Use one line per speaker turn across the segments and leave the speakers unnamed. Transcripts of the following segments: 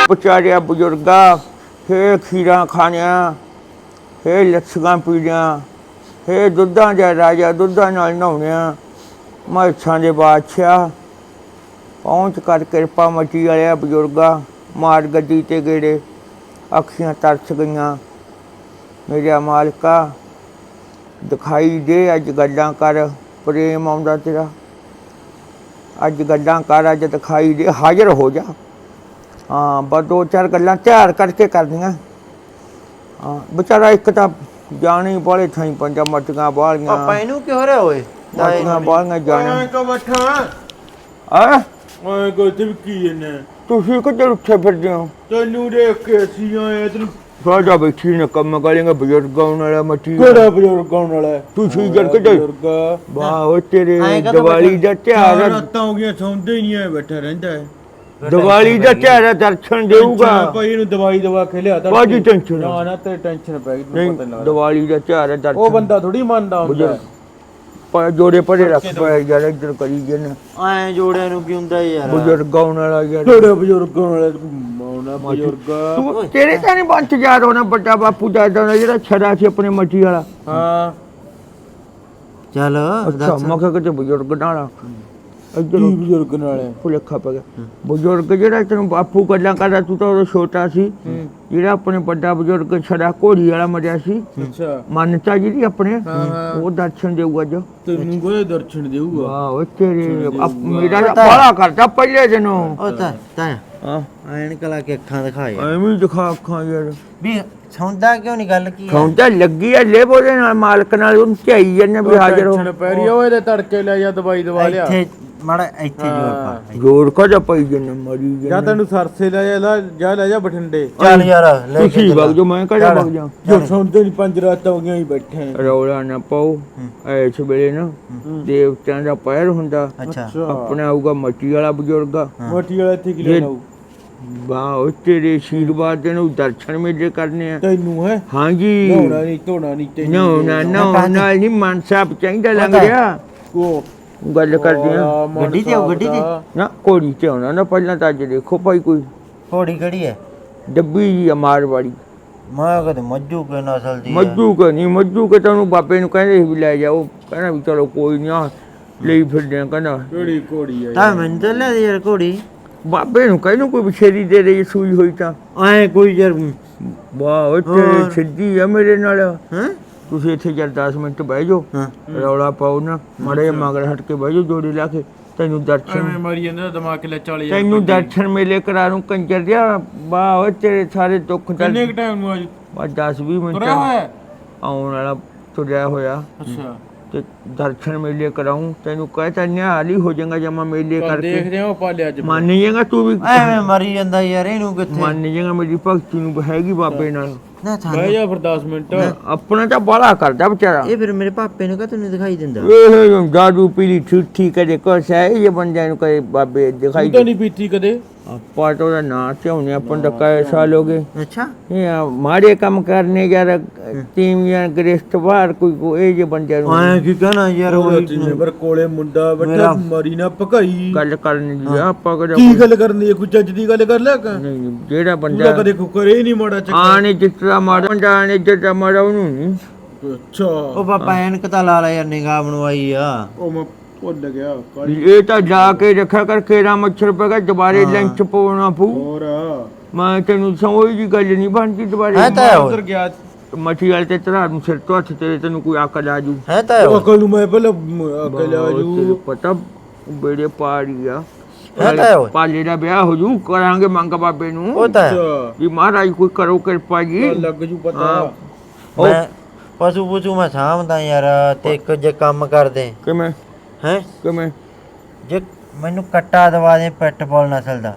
ਵਿਚਾਰਿਆ ਬਜ਼ੁਰਗਾ ਫੇ ਖੀਰਾਂ ਖਾਣਿਆ ਫੇ ਲੱਸੀਆਂ ਪੀਣੀਆਂ ਫੇ ਦੁੱਧਾਂ ਦਾ ਰਾਜਾ ਦੁੱਧਾਂ ਨਾਲ ਨਹਾਉਣਿਆ ਮੱਛਾਂ ਦੇ ਬਾਦਸ਼ਾਹ ਪਹੁੰਚ ਕਰ ਕਿਰਪਾ ਮਚੀ ਵਾਲਿਆ ਬਜ਼ੁਰਗਾ ਮਾਰ ਗੱਡੀ ਤੇ ਗੇੜੇ ਅੱਖੀਆਂ ਤਰਸ ਗਈਆਂ ਮੇਰਾ ਮਾਲਕਾ ਦਿਖਾਈ ਦੇ ਅੱਜ ਗੱਲਾਂ ਕਰ ਪ੍ਰੇਮ ਆਉਂਦਾ ਤੇਰਾ ਅੱਜ ਗੱਲਾਂ ਕਰ ਅੱਜ ਦਿਖਾਈ ਦੇ ਹਾਜ਼ਰ ਹੋ ਜਾ ਹਾਂ ਬਸ ਦੋ ਚਾਰ ਗੱਲਾਂ ਤਿਆਰ ਕਰਕੇ ਕਰਨੀਆਂ ਹਾਂ ਵਿਚਾਰਾ ਇੱਕ ਤਾਂ ਜਾਣੀ ਬਾਲੇ ਥਾਈ ਪੰਜਾ ਮਟੀਆਂ ਬਾਲੀਆਂ
ਪਾਪਾ ਇਹਨੂੰ ਕੀ ਹੋ ਰਿਹਾ ਓਏ
ਮਟੀਆਂ ਬਾਲੀਆਂ ਜਾਣਾ
ਕੋ ਬੈਠਾ
ਆ
ਓਏ ਕੋ ਤਿਵਕੀ ਨੇ
ਤੁਸੀਂ ਕਿੱਧਰ ਉੱਥੇ ਫਿਰਦੇ ਹੋ
ਤੈਨੂੰ ਦੇਖ ਕੇ ਅਸੀਂ ਆਏ ਤੈਨੂੰ
ਸਾਡਾ ਬੈਠੀ ਨੇ ਕੰਮ ਕਰਾਂਗੇ ਬਜ਼ੁਰਗ ਆਉਣ ਵਾਲਾ ਮੱਟੀ
ਕਿਹੜਾ ਬਜ਼ੁਰਗ ਆਉਣ ਵਾਲਾ
ਤੁਸੀਂ ਜਰ ਕਿੱਧਰ
ਬਜ਼ੁਰਗ
ਵਾਹ ਉਹ ਤੇਰੇ
ਐਂ ਕਾਹਤੋਂ
ਦੀਵਾਲੀ ਦਾ ਤਿਉਹਾਰ ਹੈ।
ਰਾਤਾਂ ਹੋ ਗਈਆਂ ਸੌਂਦੇ ਹੀ ਨਹੀਂ ਆਏ ਬੈਠਾ ਰਹਿੰਦਾ ਹੈ
ਦੀਵਾਲੀ ਦਾ ਤਿਉਹਾਰ ਹੈ, ਦਰਸ਼ਨ ਦੇਊਗਾ
ਭਾਈ ਇਹਨੂੰ ਦਵਾਈ ਦਵਾ ਕੇ ਲਿਆ ਤਾਂ
ਬਾਜੀ ਟੈਨਸ਼ਨ
ਨਾ ਨਾ ਤੇ ਟੈਨਸ਼ਨ ਪੈ ਗਈ
ਨਹੀਂ
ਤੈਨੂੰ ਪਤਾ ਨਹੀਂ
ਦੀਵਾਲੀ ਦਾ ਤਿਉਹਾਰ ਹੈ, ਦਰਸ਼ਨ
ਉਹ ਬੰਦਾ ਥੋੜੀ ਮੰਨਦਾ ਹੁੰਦਾ
ਪਰ ਜੋੜੇ ਪਰੇ ਰੱਖ ਪਿਆ ਯਾਰ ਇੱਧਰ ਕਰੀ ਜਨ
ਐ ਜੋੜਿਆਂ ਨੂੰ ਕੀ ਹੁੰਦਾ ਯਾਰ
ਬਜ਼ੁਰਗ ਆਉਣ ਵਾਲਾ ਯਾਰ
ਕਿਹੜਾ ਬਜ਼ੁਰਗ ਆਉਣ ਵਾਲਾ ਮੌਨਾ ਬਜ਼ੁਰਗ
ਤੂੰ ਤੇਰੇ ਤਾਂ ਨਹੀਂ ਬੰਚ ਯਾਰ ਹੋਣਾ ਵੱਡਾ ਬਾਪੂ ਦਾਦਾ ਦਾ ਜਿਹੜਾ ਛੜਾ ਸੀ ਆਪਣੇ ਮੱਟੀ ਵਾਲਾ
ਹਾਂ
ਚੱਲ
ਅੱਛਾ ਮੈਂ ਕਿਹਾ ਕਿ ਬਜ਼ੁਰਗ ਨਾਲ ਇੱਧਰ
ਕੀ ਬਜ਼ੁਰਗ ਨਾਲ ਹੈ?
ਭੁਲੇਖਾ ਪੈ ਗਿਆ ਬਜ਼ੁਰਗ ਜਿਹੜਾ ਤੈਨੂੰ ਬਾਪੂ ਗੱਲਾਂ ਕਰਦਾ ਤੂੰ ਤਾਂ ਉਦੋਂ ਛੋਟਾ ਸੀ ਜਿਹੜਾ ਆਪਣੇ ਵੱਡਾ ਬਜ਼ੁਰਗ ਛੜਾ ਘੋੜੀ ਵਾਲਾ ਮਰਿਆ ਸੀ
ਅੱਛਾ
ਮਾਨਤਾ ਜਿਹੜੀ ਆਪਣੇ
ਹਾਂ।
ਉਹ ਦਰਸ਼ਨ ਦੇਊਗਾ ਜੋ
ਤੈਨੂੰ ਕੋਈ ਦਰਸ਼ਨ ਦੇਊਗਾ
ਵਾਹ ਉਹ ਤੇਰੇ ਮੇਰਾ ਬੜਾ ਕਰਦਾ ਪਹਿਲੇ ਦਿਨੋਂ
ਉਹ ਤਾਂ
ਹਾਂ
ਐਨਕ ਲਾ ਕੇ ਅੱਖਾਂ ਦਿਖਾਏ
ਐਵੇਂ ਦਿਖਾ ਅੱਖਾਂ ਯਾਰ
ਵੀ ਸੌਂਦਾ ਕਿਉਂ ਨਹੀਂ ਗੱਲ ਕੀ
ਸੌਂਦਾ ਲੱਗੀ ਆ ਲੈ ਬੋਲੇ ਨਾਲ ਮਾਲਕ ਨਾਲ ਉਹਨੂੰ ਝਾਈ ਜਾਂਦੇ ਵੀ ਹਾਜ਼ਰ ਹੋ
ਟੈਨਸ਼ਨ ਪੈ ਰਹੀ ਆ, ਓਏ ਇਹਦੇ ਤੜਕੇ ਲੈ ਜਾ ਦਵਾਈ ਦਵਾ ਲਿਆ
ਇੱਥੇ ਮਾੜਾ ਇੱਥੇ ਜੋਰ ਪਾ
ਜ਼ੋਰ ਕਦਾ ਪਈ ਜਨ ਮਰੀ
ਜਾਂ
ਜਨ
ਤੈਨੂੰ ਸਰਸੇ ਲੈ ਜਾ ਬਠਿੰਡੇ
ਚੱਲ ਯਾਰ ਲੈ ਕੇ
ਤੁਸੀਂ ਵਗ ਜੋ ਮੈਂ ਕਦਾ ਵਗ ਜਾ
ਜੋ ਸੌਂਦੇ ਨਹੀਂ 5 ਰਾਤਾਂ ਹੋ ਗਈਆਂ ਹੀ ਬੈਠੇ ਆਂ।
ਰੌਲਾ ਨਾ ਪਾਓ ਐਸ ਵੇਲੇ ਨਾ ਦੇਵਤਿਆਂ ਦਾ ਪੈਰ ਹੁੰਦਾ
ਅੱਛਾ
ਆਪਣਾ ਆਊਗਾ ਮੱਟੀ ਵਾਲਾ ਬਜ਼ੁਰਗਾ
ਮੋਟੀ ਵਾਲਾ ਇੱਥੇ ਕੀ ਲੈਣਾ ਹੋਊ?
ਵਾਹ ਉਹ ਤੇਰੇ ਆਸ਼ੀਰਵਾਦ ਦੇ ਨੂੰ ਦਰਸ਼ਨ ਮੇਲੇ ਕਰਨੇ ਆ
ਤੈਨੂੰ ਹੈ
ਹਾਂਜੀ
ਨਹਾਉਣਾ ਨਹੀਂ ਧੋਣਾ ਨਹੀਂ ਤੈਨੂੰ
ਨਾ ਨਾਲ ਨਹੀਂ ਮਨ ਸਾਹਿਬ ਚਾਹੀਦਾ ਲੰਘ ਰਿਹਾ
ਉਹ
ਗੱਲ ਕਰਦੇ ਆ
ਗੱਡੀ ਤੇ ਆਓ, ਗੱਡੀ ਤੇ?
ਨਾ ਕੋੜੀ ਤੇ ਆਉਣਾ ਨਾ ਪਹਿਲਾਂ ਤਾਂ ਅੱਜ ਦੇਖੋ ਭਾਈ ਕੋਈ
ਥੋੜੀ ਕਿਹੜੀ ਹੈ
ਡੱਬੀ ਜੀ ਆ ਮਾਰਵਾੜੀ
ਮੈਂ ਕਦੇ ਮੱਜੂ ਕੇ ਨਸਲ ਦੀ
ਮੱਜੂ ਕੇ ਨਹੀਂ ਮੱਜੂ ਕੇ ਤੈਨੂੰ ਬਾਬੇ ਨੂੰ ਕਹਿੰਦੇ ਸੀ ਵੀ ਲੈ ਜਾਓ ਕਹਿੰਦਾ ਵੀ ਚਲੋ ਕੋਈ ਨਹੀਂ ਲਈ ਫਿਰਦੇ ਆ ਕਹਿੰਦਾ
ਕਿਹੜੀ ਘੋੜੀ ਹੈ
ਤਾਂ ਮੈਨੂੰ ਤਾਂ ਲੈ ਦੇ ਯਾਰ ਘੋੜੀ
ਬਾਬੇ ਨੂੰ ਕਹਿੰਨੂੰ ਕੋਈ ਬਛੇਰੀ ਦੇ ਰਹੀ ਸੂਈ ਹੋਈ ਤਾਂ
ਐ ਕੋਈ ਯਾਰ
ਵਾਹ ਉਹ ਤੇਰੀ ਸਿੱਧੀ ਆ ਮੇਰੇ ਨਾਲ
ਹਾਂ
ਤੁਸੀਂ ਇੱਥੇ ਜਦ 10 ਮਿੰਟ ਬਹਿ ਜਾਓ
ਹਾਂ
ਰੌਲਾ ਪਾਓ ਨਾ ਮਾੜੇ ਜਿਹੇ ਮਗਰ ਹਟ ਕੇ ਬਹਿ ਜਾਓ ਜੋੜੀ ਲਾ ਕੇ ਤੈਨੂੰ ਦਰਸ਼ਨ
ਐਵੇਂ ਮਾਰੀ ਜਾਂਦਾ ਦਿਮਾਗ ਲੈ 40
ਤੈਨੂੰ ਦਰਸ਼ਨ ਮੇਲੇ ਕਰਾ ਨੂੰ ਕੰਜਰ ਦਿਆ ਵਾਹ ਉਹ ਤੇਰੇ ਸਾਰੇ ਦੁੱਖ
ਕਿੰਨੇ ਕ ਟਾਈਮ ਨੂੰ ਅੱਜ
ਬਸ 10-20 ਮਿੰਟ
ਤੁਰਿਆ ਹੋਇਆ
ਆਉਣ ਵਾਲਾ ਤੁਰਿਆ ਹੋਇਆ
ਅੱਛਾ
ਤੇ ਦਰਸ਼ਨ ਮੇਲੇ ਕਰਾਉਂ ਤੈਨੂੰ ਕਹਿਤਾ ਨਿਹਾਲ ਹੀ ਹੋ ਜਾਏਗਾ ਜਮਾ ਮੇਲੇ ਕਰਕੇ
ਦੇਖਦੇ ਆ ਉਹ ਪਾਲਿਆ ਅੱਜ
ਮੰਨ ਜਾਏਗਾ ਤੂੰ ਵੀ
ਐਵੇਂ ਮਰੀ ਜਾਂਦਾ ਯਾਰ ਇਹਨੂੰ ਕਿੱਥੇ
ਮੰਨ ਜਾਏਗਾ ਮੇਰੀ ਭਗਤੀ ਨੂੰ ਹੈਗੀ ਬਾਬੇ ਨਾਲ
ਨਾ
ਬਹਿ
ਸਾਨੂੰ
ਜਾ ਫਿਰ 10 ਮਿੰਟ
ਆਪਣਾ ਤਾਂ ਬਾਲਾ ਕਰਦਾ ਵਿਚਾਰਾ
ਇਹ ਫਿਰ ਮੇਰੇ ਪਾਪੇ ਨੂੰ ਕਾ ਤੈਨੂੰ ਦਿਖਾਈ ਦਿੰਦਾ
ਇਹ ਦਾਰੂ ਪੀਲੀ ਠੂਠੀ ਕਦੇ ਕੁਛ ਹੈ ਇਹ ਬੰਦਿਆਂ ਨੂੰ ਕਦੇ ਬਾਬੇ ਦਿਖਾਈ
ਤੂੰ ਤਾਂ ਨਹੀਂ ਪੀਤੀ ਕਦੇ
ਆਪਾਂ ਤਾਂ ਉਹਦਾ ਨਾਂ ਧਿਆਉਣੇ ਆਪਾਂ ਨੂੰ ਤਾਂ ਕਈ ਸਾਲ ਹੋ ਗਏ
ਅੱਛਾ
ਇਹ ਮਾੜੇ ਕੰਮ ਕਰਨੇ ਯਾਰ ਤੀਵੀਆਂ ਗ੍ਰਿਸ਼ਟ ਬਾਹਰ ਕੋਈ ਇਹ ਜੇ ਬੰਦਿਆਂ ਨੂੰ
ਐ ਕੀ ਕਹਣਾ ਯਾਰ ਉਹ
ਜਿਵੇਂ ਪਰ ਕੋਲੇ ਮੁੰਡਾ ਬੈਠਾ ਮਰੀ ਨਾ ਭਕਾਈ
ਗੱਲ ਕਰਨੀ ਜੀ ਆਪਾਂ ਕਦੇ
ਕੀ ਗੱਲ ਕਰਨੀ ਹੈ ਕੋਈ ਚੱਜ ਦੀ ਗੱਲ ਕਰ ਲੈ ਕਾ
ਨਹੀਂ ਜਿਹੜਾ
ਤੂੰ ਤਾਂ
ਬੰਦਾ
ਕਦੇ ਕੁਕਰੇ ਹੀ ਨਹੀਂ ਮਾੜਾ ਚੱਕਰ
ਆਣੇ ਜਿੱਤਰਾ ਮਾੜਾ ਬੰਦਾ ਆਣੇ ਜਿੱਤਰਾ ਮਾੜਾ ਉਹਨੂੰ ਨਹੀਂ
ਅੱਛਾ
ਉਹ ਪਾਪਾ ਐਨਕ ਤਾਂ ਲਾ ਲੈ ਯਾਰ ਨਿਗਾਹ ਬਣਵਾਈ ਆ
ਉਹ ਮੈਂ ਭੁੱਲ ਗਿਆ ਕਾਲੀ
ਇਹ ਤਾਂ ਜਾ ਕੇ ਰੱਖਿਆ ਕਰ ਕੇਰਾ ਮੱਛਰ ਪੈ ਗਿਆ ਦੁਬਾਰੇ ਲੰਚ ਪਾਉਣਾ ਪਊ
ਹੋਰ
ਮੈਂ ਤੈਨੂੰ ਸਮਝ ਜੀ ਗੱਲ ਨਹੀਂ ਬਣਦੀ ਦੁਬਾਰੇ
ਹੈ ਤਾਂ ਉਹ
ਉਧਰ ਗਿਆ
ਮੱਛੀ ਵਾਲੇ ਤੇ ਤਰਾ ਨੂੰ ਸਿਰ ਤੋਂ ਹੱਥ ਤੇਰੇ ਤੈਨੂੰ ਕੋਈ ਅਕਲ ਆ ਜੂ
ਹੈ ਤਾਂ
ਉਹ
ਉਹ
ਅਕਲ ਨੂੰ ਮੈਂ ਪਹਿਲਾਂ ਅਕਲ ਆ
ਤੈਨੂੰ
ਜੂ
ਪਤਾ ਬੇੜੇ ਪਾੜੀ ਆ
ਹੈ ਤਾਂ ਉਹ
ਪਾਲੇ ਦਾ ਵਿਆਹ ਹੋ ਜੂ ਕਰਾਂਗੇ ਮੰਗ ਬਾਬੇ ਨੂੰ
ਉਹ ਤਾਂ ਹੈ।
ਅੱਛਾ
ਵੀ ਮਹਾਰਾਜ ਕੋਈ ਕਰੋ ਕਿਰਪਾ ਜੀ
ਲੱਗ ਜੂ ਪਤਾ
ਮੈਂ ਪਸ਼ੂ ਪੁਸ਼ੂ ਮੈਂ ਸਾਂਭਦਾ ਯਾਰ ਤੇ ਇੱਕ ਜੇ ਕੰਮ ਕਰਦੇ
ਕਿਵੇਂ
ਹੈ
ਕਿਵੇਂ
ਜੇ ਮੈਨੂੰ ਕੱਟਾ ਦਵਾ ਦੇ ਪੈਟਬੋਲ ਨਸਲ ਦਾ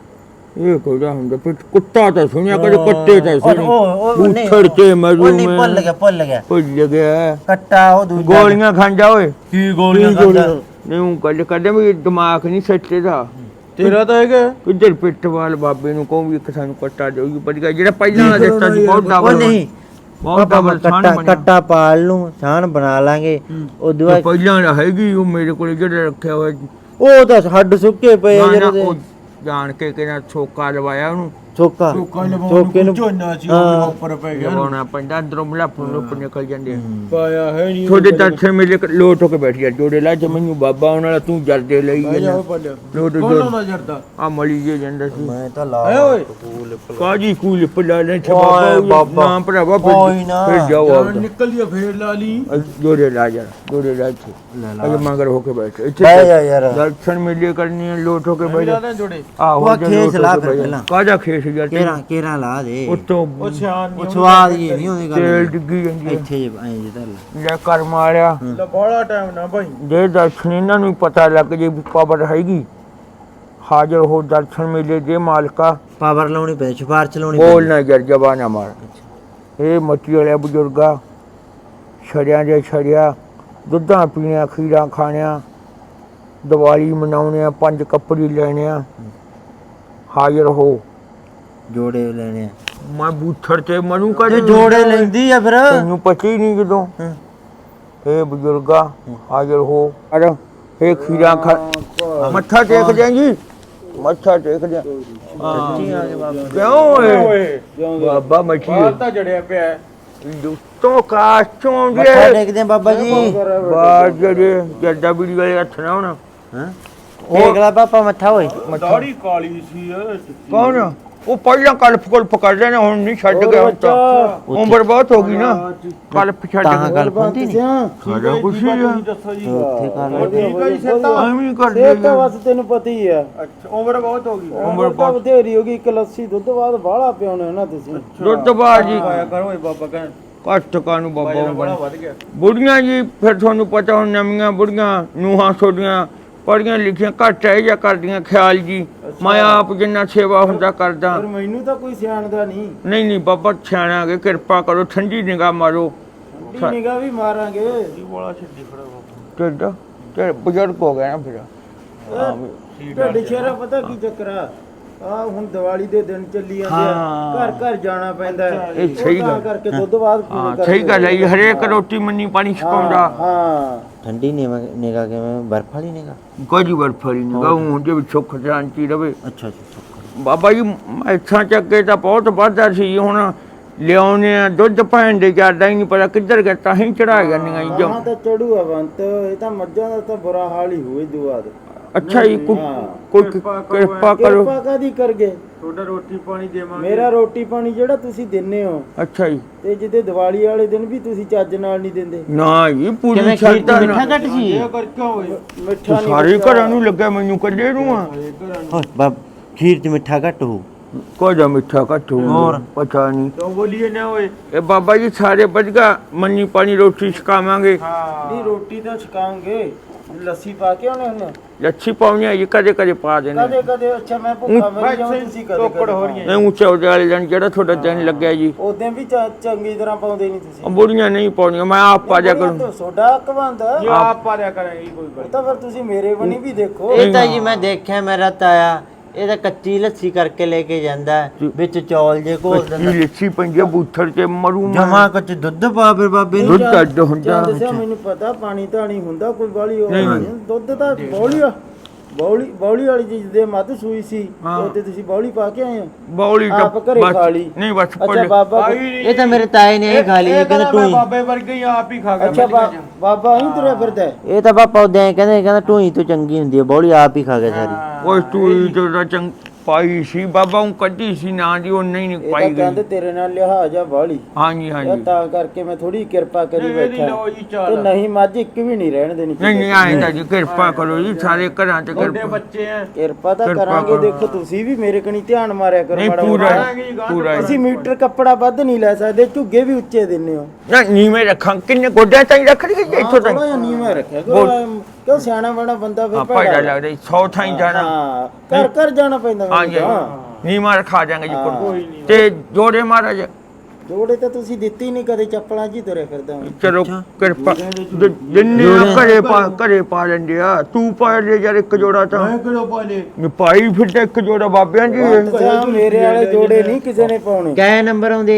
ਇਹ ਕੋੜਾ ਹੁੰਦਾ ਫਿਰ ਕੁੱਤਾ ਤਾਂ ਸੁਣਿਆ ਕਦੇ ਕੁੱਤੇ ਤਾਂ ਸੁਣੀ
ਉਹ ਨਹੀਂ
ਉੱਠੜ ਕੇ ਮਰੂ
ਉਹ ਨਹੀਂ ਭੁੱਲ ਗਿਆ
ਭੁੱਲ ਗਿਆ
ਕੱਟਾ ਉਹ ਦੂਜਾ
ਗੋਲੀਆਂ ਖਾਂਦਾ ਓਏ
ਕੀ ਗੋਲੀਆਂ ਖਾਂਦਾ
ਨਹੀਂ ਉਹ ਗੱਲ ਕਰਦੇ ਵੀ ਦਿਮਾਗ ਨਹੀਂ ਸੱਚੇ ਦਾ
ਤੇਰਾ ਤਾਂ ਹੈਗਾ
ਕਿੱਧਰ ਪਿੱਟਵਾਲ ਬਾਬੇ ਨੂੰ ਕਹੂੰ ਵੀ ਇੱਕ ਸਾਨੂੰ ਕੱਟਾ ਦਿਓ ਵਧੀਆ ਜਿਹੜਾ ਪਹਿਲਾਂ ਵਾਲਾ ਦਿੱਤਾ ਸੀ ਬਹੁਤ
ਉਹ
ਡਬਲ
ਨਹੀਂ
ਬਹੁਤ ਡਬਲ
ਕੱਟਾ ਪਾਲ ਨੂੰ ਛਾਣ ਬਣਾ ਲਾਂਗੇ ਉਦੋਂ ਬਾਅਦ
ਪਹਿਲਾਂ ਵਾਲਾ ਹੈਗੀ ਉਹ ਮੇਰੇ ਕੋਲ ਜਿਹੜਾ ਰੱਖਿਆ ਹੋਇਆ
ਉਹ ਤਾਂ ਹੱਡ ਸੁੱਕੇ ਪਏ ਆ
ਨਾ, ਨਾ,
ਜਿਹੜੇ
ਉਹ ਜਾਣ ਕੇ ਕਿਹਨਾਂ ਛੋਕਾ ਲਵਾਇਆ ਉਹਨੂੰ
ਠੋਕਾ
ਲੋਕਾਂ ਲਵਾਉਣ
ਠੋਕੇ
ਨੂੰ
ਨੂੰ
ਝੋਨਾ ਸੀ
ਹਾਂ।
ਉੱਪਰ ਪੈ ਗਿਆ
ਲਵਾਉਣਾ ਪੈਂਦਾ ਅੰਦਰੋਂ ਮਲਾਪੂ ਨੂੰ ਨਿਕਲ ਜਾਂਦੇ ਆ
ਪਾਇਆ ਹੈ ਨਹੀਂ
ਤੁਹਾਡੇ ਦਰਸ਼ਨ ਮੇਲੇ ਲੋਟ ਹੋ ਕੇ ਬੈਠ ਗਿਆ ਜੋੜੇ ਲਾ ਚ ਮੈਨੂੰ ਬਾਬਾ ਉਹਨਾਂ ਵਾਲਾ ਤੂੰ ਜਰਦੇ ਲਈ
ਬਹਿ ਜਾ
ਜਾਂਦਾ
ਪੱਲਿਆ
ਲੋਟ
ਕੌਣ ਲਾਉਂਦਾ ਜਰਦਾ
ਆ ਮਲੀ ਜੇ ਜਾਂਦਾ ਸੀ
ਮੈਂ ਤਾਂ ਲਾ
ਹੈ ਓਏ
ਕਾਜੀ ਕੂਲ ਪਲਾ ਲੈ ਛ
ਓਏ
ਬਾਬਾ
ਬਾਬਾ।
ਨਾਮ ਭਰਾਵਾ
ਕੋਈ ਨਾ।
ਫਿਰ ਜਾਓ
ਜਾਨ
ਆਪਦਾ।
ਨਿਕਲਦੀ ਆ ਫੇਰ ਲਾ ਲਈ
ਜੋੜੇ ਲਾ ਜਾ ਜੋੜੇ ਲਾ ਇੱਥੇ
ਲੈ ਲਾ
ਅਜੇ ਮਗਰ ਹੋ ਕੇ ਬੈਠ ਇੱਥੇ
ਬਹਿ ਜਾ ਯਾਰ
ਦਰਸ਼ਨ ਮੇਲੇ ਕਰਨੀ ਹੈ ਲੋਟ ਹੋ ਕੇ ਬੈਠ ਜਾ
ਲਾ ਜੋੜੇ
ਆਹੋ
ਉਹ
ਜੇ
ਖੇਸ
ਲੋਟ ਹੋ
ਲਾ
ਕੇ
ਫਿਰ
ਬਹਿ ਜਾ।
ਪਹਿਲਾਂ।
ਕਾਹਦਾ ਖੇਸ ਯਾਰ
ਕੇਰਾ ਲਾ ਦੇ
ਉੱਤੋਂ
ਉਹ ਸਿਆਣ
ਉਹ ਸਵਾਦ ਹੀ ਨਹੀਂ ਉਹਦੀ
ਤੇਲ
ਗੱਲ
ਡਿੱਗੀ ਜਾਂਦੀ ਹੈ
ਇੱਥੇ ਜੇ ਐਂ ਜੇ ਧਰ ਲੈ
ਲੈ ਕਰ ਮਾਰਿਆ
ਲੈ ਬੜਾ ਟਾਈਮ ਨਾ ਭਾਈ
ਜੇ ਦਰਸ਼ਨ ਇਹਨਾਂ ਨੂੰ ਪਤਾ ਲੱਗ ਜੇ ਵੀ ਪਾਵਰ ਹੈਗੀ ਹਾਜ਼ਰ ਹੋ ਦਰਸ਼ਨ ਮੇਲੇ ਦੇ ਮਾਲਕਾ
ਪਾਵਰ ਲਾਉਣੀ ਪੈ ਸਿਫਾਰਸ਼ ਲਾਉਣੀ
ਬੋਲ ਨਾ ਜਰ ਜਬਾ ਨਾ ਮਾਰ ਇਹ ਮੱਟੀ ਵਾਲੇ ਬਜ਼ੁਰਗਾ ਛੜਿਆਂ ਦੇ ਛੜਿਆ ਦੁੱਧਾਂ ਪੀਣਿਆ ਖੀਰਾਂ ਖਾਣਿਆ ਦੀਵਾਲੀ ਮਨਾਉਣਿਆ 5 ਕੱਪੜੇ ਲੈਣਿਆ ਹਾਜ਼ਰ ਹੋ
ਜੋੜੇ ਲੈਣੇ ਆ
ਮੈਂ ਬੂਥੜ ਤੇ ਮਨੂੰ ਕਾ
ਤੇ ਜੋੜੇ ਲੈਂਦੀ ਆ ਫਿਰ
ਤੈਨੂੰ ਪਤਾ ਹੀ ਨਹੀਂ ਜਦੋਂ
ਹਾਂ।
ਇਹ ਬਜ਼ੁਰਗਾ ਹਾਜ਼ਰ ਹੋ ਅਰ ਇਹ ਖੀਰਾਂ ਖਾ ਮੱਥਾ ਟੇਕ ਜਾਏਗੀ ਮੱਥਾ ਟੇਕ ਜਾ ਕਿਉਂ ਓਏ ਬਾਬਾ ਮੱਛੀ
ਬਾਹਰ ਤਾਂ ਜੜਿਆ ਪਿਆ ਹੈ।
ਦੁੱਤੋਂ ਕਾਸ਼ੋਂ
ਮੱਥਾ
ਦੇ
ਟੇਕਦੇ ਆ ਬਾਬਾ ਜੀ
ਬਾਹਰ ਜਿਹੜੇ ਜੱਡਾ ਬੀੜੀ ਵਾਲੇ ਹੱਥ ਨਾ ਹੁਣ
ਹਾਂ ਟੇਕ ਲੈ ਪਾਪਾ ਮੱਥਾ ਓਏ
ਦਾੜੀ ਕਾਲੀ ਸੀ
ਕੌਣ ਉਹ ਪਹਿਲਾਂ ਕਲਪ ਕੁਲਪ ਕਰ ਲੈਣਾ ਹੁਣ ਨਹੀਂ ਛੱਡ ਗਿਆ ਹੁਣ ਤਾਂ ਉਮਰ ਬਹੁਤ ਹੋ ਗਈ ਨਾ ਕਲਪ ਛੱਡ
ਤਾਂ
ਗਿਆ
ਗੱਲ ਪੰਦੀ ਨਹੀਂ
ਸਾਡਾ ਕੁਛ ਹੀ ਆ
ਦੱਸੋ ਜੀ
ਉੱਥੇ ਕਰ
ਉਹ ਠੀਕ ਹੈ ਜੀ ਸੇਤਾ
ਐਵੇਂ ਹੀ ਕਰਦੇ
ਤਾਂ ਬਸ ਤੈਨੂੰ ਪਤਾ ਹੀ ਆ
ਅੱਛਾ ਉਮਰ ਬਹੁਤ ਹੋ ਗਈ
ਉਮਰ
ਤਾਂ
ਬਹੁਤ
ਬਥੇਰੀ ਹੋ ਗਈ ਇੱਕ ਲੱਸੀ ਦੁੱਧ ਬਾਅਦ ਬਾਹਲਾ ਪਿਆਉਣੇ ਨਾ ਤੁਸੀਂ
ਦੁੱਧ ਬਾਜੀ
ਆਇਆ ਕਰੋ ਓਏ ਬਾਬਾ ਕਹਿਣ
ਘੱਟ ਕਾਨੂੰ ਬਾਬਾ
ਬੜਾ
ਬਣ
ਵੱਧ ਗਿਆ
ਬੁੜੀਆਂ ਜੀ ਫਿਰ ਤੁਹਾਨੂੰ ਪਤਾ ਹੁਣ ਨਵੀਆਂ ਬੁੜੀਆਂ ਨੂਹਾਂ ਛੋਡੀਆਂ ਪੜੀਆਂ ਲਿਖੀਆਂ ਘੱਟ ਹੈ ਜਾਂ ਕਰਦੀਆਂ ਖਿਆਲ ਜੀ ਮੈਂ ਆਪ ਜਿੰਨਾ ਸੇਵਾ ਹੁੰਦਾ ਕਰਦਾ
ਪਰ ਮੈਨੂੰ ਤਾਂ ਕੋਈ ਸਿਆਣਦਾ ਨਹੀਂ
ਨਹੀਂ ਨਹੀਂ ਬਾਬਾ ਸਿਆਣਾਗੇ ਕਿਰਪਾ ਕਰੋ ਠੰਡੀ ਨਿਗਾਹ ਮਾਰੋ
ਠੰਡੀ ਨਿਗਾਹ ਵੀ ਮਾਰਾਂਗੇ
ਬੋਲਾ ਛੱਡੀ ਖੜਾ ਬਾਬਾ
ਢਿੱਡ ਤੇ ਬਜ਼ੁਰਗ ਹੋ ਗਿਆ ਨਾ ਫਿਰ
ਤੁਹਾਡੇ ਸ਼ਹਿਰਾ ਪਤਾ ਕੀ ਚੱਕਰ ਆ ਹੁਣ ਦੀਵਾਲੀ ਦੇ ਦਿਨ ਚੱਲੀ ਜਾਂਦੇ ਆ
ਹਾਂ।
ਘਰ ਘਰ ਜਾਣਾ ਪੈਂਦਾ ਹੈ।
ਇਹ ਸਹੀ
ਉਹ ਤਾਂ
ਗੱਲ।
ਕਰਕੇ ਦੁੱਧ ਬਾਅਦ
ਹਾਂ ਸਹੀ ਗੱਲ ਹੈ ਜੀ, ਹਰੇਕ ਰੋਟੀ ਮੰਨੀ ਪਾਣੀ ਛਕਾਉਂਦਾ
ਹਾਂ
ਠੰਡੀ ਨਿਗਾ ਕਿਵੇਂ ਬਰਫ ਵਾਲੀ ਨਿਗਾ
ਕੋਈ ਵਰਫਰੀ ਨਿਗਾਹ ਹੁੰਦੇ ਵੀ ਸੁੱਖ ਸ਼ਾਂਤੀ ਰਵੇ
ਅੱਛਾ ਅੱਛਾ
ਬਾਬਾ ਜੀ ਇੱਥਾਂ ਚੱਕੇ ਤਾਂ ਬਹੁਤ ਵਾਧਾ ਸੀ ਹੁਣ ਲਿਆਉਣੇ ਆ ਦੁੱਧ ਭੈਣ ਦੇ ਜਾਂਦਾ ਹੀ ਨਹੀਂ ਪਤਾ ਕਿੱਧਰ ਗਿਆ ਤਾਂ ਹੀ ਚੜਾ ਜਾਂਦੀਆਂ ਜੀ
ਹਾਂ ਤਾਂ ਚੜੂ ਆ ਬੰਤ ਇਹ ਤਾਂ ਮੱਝਾਂ ਦਾ ਤਾਂ ਬੁਰਾ ਹਾਲ ਹੀ ਹੋਏ ਦੁਆਦ
ਅੱਛਾ ਜੀ
ਹਾਂ।
ਕੋਈ ਕਿਰਪਾ ਕਰੋ
ਕਿਰਪਾ ਕਾਦੀ ਕਰਗੇ
ਤੁਹਾਡਾ ਰੋਟੀ ਪਾਣੀ ਦੇਵਾਂਗੇ
ਮੇਰਾ ਰੋਟੀ ਪਾਣੀ ਜਿਹੜਾ ਤੁਸੀਂ ਦਿੰਨੇ ਹੋ
ਅੱਛਾ ਜੀ
ਤੇ ਜਿੱਦੇ ਦੀਵਾਲੀ ਵਾਲੇ ਦਿਨ ਵੀ ਤੁਸੀਂ ਚੱਜ ਨਾਲ ਨਹੀਂ ਦਿੰਦੇ
ਨਾ ਜੀ ਪੂਰੀ
ਕਿਵੇਂ ਖੀਰ
ਛੱਡਦਾ
ਤੇ ਮਿੱਠਾ ਘੱਟ ਸੀ
ਇਹ ਕਰ ਕਿਉਂ ਓਏ
ਮਿੱਠਾ ਨਹੀਂ
ਸਾਰੇ ਘਰਾਂ ਨੂੰ ਲੱਗਾ ਮੈਨੂੰ ਕੱਲੇ ਨੂੰ ਆ
ਇਹ ਘਰਾਂ ਨੂੰ
ਓਏ ਬਾਬ ਖੀਰ ਚ ਮਿੱਠਾ ਘੱਟ ਹੋ
ਕੋਈ ਦਾ ਮਿੱਠਾ ਘੱਟ
ਹੋਰ?
ਪਤਾ ਨਹੀਂ
ਕਿਉਂ ਬੋਲੀਏ ਨਾ ਓਏ
ਇਹ ਬਾਬਾ ਜੀ ਸਾਰੇ ਵਧਗਾ ਮੰਨੀ ਪਾਣੀ ਰੋਟੀ ਛਕਾਵਾਂਗੇ
ਹਾਂ
ਨਹੀਂ ਰੋਟੀ ਤਾਂ ਛਕਾਉਂਗੇ ਲੱਸੀ ਪਾ ਕੇ ਆਉਣੇ ਹੁੰਦੇ
ਲੱਛੀ ਪਾਉਣੀ ਹੈ ਜੀ ਕਦੇ ਕਦੇ ਪਾ ਦੇਣੇ
ਕਦੇ ਕਦੇ ਅੱਛਾ ਮੈਂ ਭੁੱਖਾ ਮਰ ਜਾਵਾਂ ਤੁਸੀਂ ਕਦੇ
ਟੋਕੜ ਹੋ ਰਹੀਆਂ
ਇਹ ਉੱਚੇ ਉਹਦੇ ਵਾਲੇ ਦਿਨ ਜਿਹੜਾ ਤੁਹਾਡਾ ਦਿਨ ਲੱਗਿਆ ਜੀ
ਉਦੋਂ ਵੀ ਚੰਗੀ ਤਰ੍ਹਾਂ ਪਾਉਂਦੇ ਨਹੀਂ ਤੁਸੀਂ
ਉਹ ਬੁੜੀਆਂ ਨਹੀਂ ਪਾਉਣੀਆਂ ਮੈਂ ਆਪ ਪਾ ਜਾ ਕਰੂੰ
ਸੋਡਾ ਕਵਾਂਦਾ
ਇਹ ਆਪ ਪਾਰਿਆ ਕਰਾਂਗੇ ਕੋਈ ਗੱਲ
ਤਾਂ ਫਿਰ ਤੁਸੀਂ ਮੇਰੇ ਬਣੀ ਵੀ ਦੇਖੋ
ਇਹ ਤਾਂ ਜੀ ਮੈਂ ਦੇਖਿਆ ਮੇਰਾ ਤਾਇਆ ਇਹ ਤਾਂ ਕੱਚੀ ਲੱਸੀ ਕਰਕੇ ਲੈ ਕੇ ਜਾਂਦਾ ਹੈ, ਵਿੱਚ ਚੌਲ ਜੇ ਘੋਲ
ਕੀ
ਦਿੰਦਾ
ਲੱਛੀ ਪੰਜੇ ਬੂਥਰ ਤੇ ਮਰੂ ਮੈਂ।
ਜਮਾ ਕੱਚ ਦੁੱਧ ਪਾ ਫਿਰ ਬਾਬੇ ਨੂੰ
ਦੁੱਧ ਅੱਡ ਹੁੰਦਾ
ਦੱਸਿਆ ਮੈਨੂੰ ਪਤਾ ਪਾਣੀ ਧਾਣੀ ਹੁੰਦਾ ਕੋਈ ਬਾਲੀ ਦੁੱਧ ਤਾਂ ਬੌਲੀ ਵਾਲੀ ਚੀਜ਼ ਦੇ ਮੱਧ ਸੂਈ ਸੀ ਉਹਤੇ ਤੁਸੀਂ ਬੌਲੀ ਪਾ ਕੇ ਆਏ ਹੋ
ਬੌਲੀ ਤਾਂ
ਆਪ ਘਰੇ
ਬਸ-
ਖਾ ਲਈ।
ਨਹੀਂ ਬਸ
ਅੱਛਾ
ਪੜ
ਬਾਬਾ
ਇਹ ਤਾਂ ਮੇਰੇ ਤਾਏ ਨੇ ਇਹ ਖਾ ਲਈ ਇਹ ਕਹਿੰਦਾ
ਮੈਂ
ਟੂਈ
ਬਾਬੇ ਵਰਗੇ ਹੀ ਆਪ ਹੀ ਖਾ ਗਿਆ
ਅੱਛਾ ਬਾਬਾ ਹੀ ਤੁਰਿਆ ਫਿਰਦਾ ਹੈ।
ਇਹ ਤਾਂ ਪਾਪਾ ਉਦਾਂ ਹੀ ਕਹਿੰਦਾ ਟੂਈ ਤੋਂ ਚੰਗੀ ਹੁੰਦੀ ਹੈ ਬੌਲੀ ਆਪ ਹੀ ਖਾ ਗਿਆ ਸਾਰੀ
ਉਹ ਤੂੰ ਜਿਹੜਾ ਚੰਗ ਪਾਈ ਸੀ ਬਾਬਾ ਉਹ ਕੱਢੀ ਸੀ ਨਾ ਜੀ ਉਹ ਨਹੀਂ
ਇਹ
ਪਾਈ
ਤਾਂ
ਗਈ
ਕਹਿੰਦੇ ਤੇਰੇ ਨਾਲ ਲਿਹਾਜ਼ ਆ ਬਾਲੀ
ਹਾਂਜੀ ਹਾਂਜੀ
ਤਾਂ ਕਰਕੇ ਮੈਂ ਥੋੜੀ ਕਿਰਪਾ ਕਰੀ
ਇਹਦੀ
ਬੈਠਾ
ਲਓ ਜੀ
ਤੇ
ਚਾਲ
ਨਹੀਂ ਮੱਝ ਇੱਕ ਵੀ ਨਹੀਂ ਰਹਿਣ ਦੇਣੀ
ਨਹੀਂ ਨਹੀਂ ਆਏ ਤਾਂ ਜੀ ਕਿਰਪਾ ਕਰੋ ਜੀ ਸਾਰੇ ਘਰਾਂ ਚ
ਤੁਹਾਡੇ
ਕਿਰਪਾ
ਬੱਚੇ ਆ
ਕਿਰਪਾ ਤਾਂ
ਕਿਰਪਾ
ਕਰਾਂਗੇ
ਕਰੋ।
ਦੇਖੋ ਤੁਸੀਂ ਵੀ ਮੇਰੇ ਕਣੀ ਧਿਆਨ ਮਾਰਿਆ ਕਰੋ
ਨਹੀਂ
ਮਾੜਾ
ਪੂਰਾ
ਮੋਟਾ।
ਕਰਾਂਗੇ ਜੀ, ਗਾਂਹ
ਪੂਰਾ
ਤੁਸੀਂ ਮੀਟਰ ਕੱਪੜਾ ਵੱਧ ਨਹੀਂ ਲੈ ਸਕਦੇ ਝੁੱਗੇ ਵੀ ਉੱਚੇ ਦਿੰਨੇ ਹੋ
ਨਾ ਨੀਵੇਂ ਰੱਖਾਂ ਕਿੰਨੇ ਗੋਡਿਆਂ ਤਾਈਂ ਰੱਖ ਲਈ ਇੱਥੋਂ ਤਾਈਂ
ਥੋੜਾ ਜਿਹਾ ਨੀਵਾਂ ਰੱਖਿਆ ਕਿਉਂ ਸਿਆਣਾ ਬੜਾ ਬੰਦਾ ਫਿਰ
ਆਪਾਂ ਇਹਦਾ ਲੱਗਦਾ 100 ਥਾਈਂ ਜਾਣਾ
ਹਾਂ ਘਰ ਘਰ ਜਾਣਾ ਪੈਂਦਾ
ਹਾਂਜੀ
ਮੈਨੂੰ ਤਾਂ।
ਨੀਵਾਂ ਰਖਾ ਜਾਾਂਗੇ ਜੀ
ਹਾਂ।
ਕੋਲ ਤੇ ਜੋੜੇ ਮਹਾਰਾਜ
ਜੋੜੇ ਤਾਂ ਤੁਸੀਂ ਦਿੱਤੀ ਨਹੀਂ ਕਦੇ ਚੱਪਲਾਂ 'ਚ ਹੀ ਤੁਰੇ ਫਿਰਦਾ ਮੈਂ
ਚਲੋ ਕਿਰਪਾ ਜਿੰਨੇ ਘਰੇ ਪਾ ਲੈਂਦੇ ਆ ਤੂੰ ਪਾ ਲੈ ਯਾਰ ਇੱਕ ਜੋੜਾ ਤਾਂ
ਮੈਂ ਕਿਹੜਾ ਪਾਲੇ
ਪਾਈ ਫਿਰ ਤਾਂ ਇੱਕ ਜੋੜਾ ਬਾਬਿਆਂ ਜੀ
ਅੱਛਾ, ਮੇਰੇ ਵਾਲੇ ਜੋੜੇ ਨਹੀਂ ਕਿਸੇ ਨੇ ਪਾਉਣੇ
ਕੈ ਨੰਬਰ ਆਉਂਦੇ ਜੀ